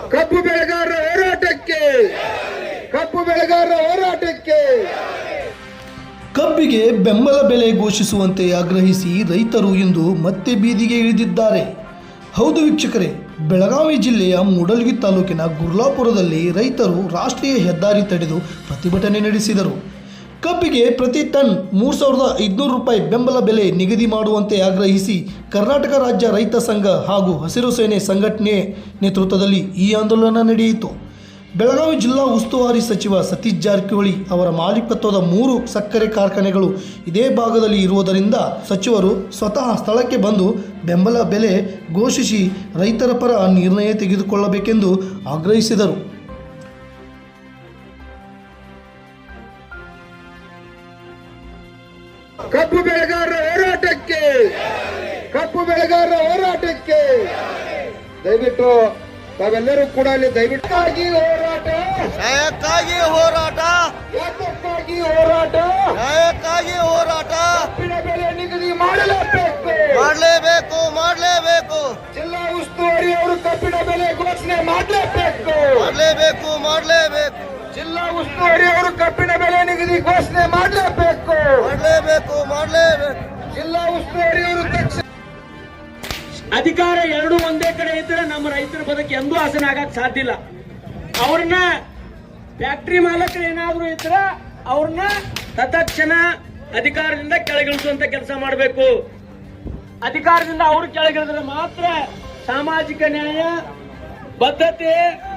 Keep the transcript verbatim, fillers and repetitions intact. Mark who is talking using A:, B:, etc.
A: ಕಬ್ಬು ಬೆಳೆಗಾರರ ಹೋರಾಟಕ್ಕೆ ಕಬ್ಬು ಬೆಳೆಗಾರರ ಹೋರಾಟಕ್ಕೆ
B: ಕಬ್ಬಿಗೆ ಬೆಂಬಲ ಬೆಲೆ ಘೋಷಿಸುವಂತೆ ಆಗ್ರಹಿಸಿ ರೈತರು ಇಂದು ಮತ್ತೆ ಬೀದಿಗೆ ಇಳಿದಿದ್ದಾರೆ. ಹೌದು ವೀಕ್ಷಕರೇ, ಬೆಳಗಾವಿ ಜಿಲ್ಲೆಯ ಮೂಡಲಗಿ ತಾಲೂಕಿನ ಗುರ್ಲಾಪುರದಲ್ಲಿ ರೈತರು ರಾಷ್ಟ್ರೀಯ ಹೆದ್ದಾರಿ ತಡೆದು ಪ್ರತಿಭಟನೆ ನಡೆಸಿದರು. ಕಬ್ಬಿಗೆ ಪ್ರತಿ ಟನ್ ಮೂರು ಸಾವಿರದ ಐದುನೂರು ರೂಪಾಯಿ ಬೆಂಬಲ ಬೆಲೆ ನಿಗದಿ ಮಾಡುವಂತೆ ಆಗ್ರಹಿಸಿ ಕರ್ನಾಟಕ ರಾಜ್ಯ ರೈತ ಸಂಘ ಹಾಗೂ ಹಸಿರು ಸೇನೆ ಸಂಘಟನೆ ನೇತೃತ್ವದಲ್ಲಿ ಈ ಆಂದೋಲನ ನಡೆಯಿತು. ಬೆಳಗಾವಿ ಜಿಲ್ಲಾ ಉಸ್ತುವಾರಿ ಸಚಿವ ಸತೀಶ್ ಜಾರಕಿಹೊಳಿ ಅವರ ಮಾಲೀಕತ್ವದ ಮೂರು ಸಕ್ಕರೆ ಕಾರ್ಖಾನೆಗಳು ಇದೇ ಭಾಗದಲ್ಲಿ ಇರುವುದರಿಂದ ಸಚಿವರು ಸ್ವತಃ ಸ್ಥಳಕ್ಕೆ ಬಂದು ಬೆಂಬಲ ಬೆಲೆ ಘೋಷಿಸಿ ರೈತರ ಪರ ನಿರ್ಣಯ ತೆಗೆದುಕೊಳ್ಳಬೇಕೆಂದು ಆಗ್ರಹಿಸಿದರು.
A: ಕಬ್ಬು ಬೆಳೆಗಾರರ ಹೋರಾಟಕ್ಕೆ ಕಬ್ಬು ಬೆಳೆಗಾರರ ಹೋರಾಟಕ್ಕೆ ದಯವಿಟ್ಟು ತಾವೆಲ್ಲರೂ ಕೂಡ ಅಲ್ಲಿ ದಯವಿಟ್ಟಾಗಿ ಹೋರಾಟ
C: ನ್ಯಾಯಕ್ಕಾಗಿ ಹೋರಾಟ
A: ಯಾತಕ್ಕಾಗಿ ಹೋರಾಟ
C: ನ್ಯಾಯಕ್ಕಾಗಿ ಹೋರಾಟ
A: ಕಬ್ಬಿನ ಬೆಲೆ ನಿಗದಿ ಮಾಡಲೇಬೇಕು
C: ಮಾಡಲೇಬೇಕು ಮಾಡಲೇಬೇಕು
A: ಜಿಲ್ಲಾ ಉಸ್ತುವಾರಿ ಅವರು ಕಬ್ಬಿನ ಬೆಲೆ ಘೋಷಣೆ ಮಾಡಲೇಬೇಕು
C: ಮಾಡಲೇಬೇಕು ಮಾಡಲೇಬೇಕು
A: ಜಿಲ್ಲಾ ಉಸ್ತುವಾರಿ ಅವರು ಕಬ್ಬಿನ ಬೆಲೆ ನಿಗದಿ ಘೋಷಣೆ ಮಾಡಲೇಬೇಕು
C: ಮಾಡಲೇಬೇಕು ಮಾಡಲೇಬೇಕು
A: ಜಿಲ್ಲಾ ಉಸ್ತುವಾರಿ ಅವರು ತಕ್ಷಣ
D: ಅಧಿಕಾರ ಎರಡು ಒಂದೇ ಕಡೆ ಇದ್ರೆ ನಮ್ಮ ರೈತರ ಬದುಕು ಎಂದೂ ಹಸನ ಆಗಕ್ ಸಾಧ್ಯ ಇಲ್ಲ. ಅವ್ರನ್ನ ಫ್ಯಾಕ್ಟರಿ ಮಾಲಕರು ಏನಾದ್ರು ಇದ್ರ ಅವ್ರನ್ನ ತತ್ಕ್ಷಣ ಅಧಿಕಾರದಿಂದ ಕೆಳಗಿಳಿಸುವಂತ ಕೆಲಸ ಮಾಡಬೇಕು. ಅಧಿಕಾರದಿಂದ ಅವ್ರು ಕೆಳಗಿಳಿದ್ರೆ ಮಾತ್ರ ಸಾಮಾಜಿಕ ನ್ಯಾಯ, ಬದ್ಧತೆ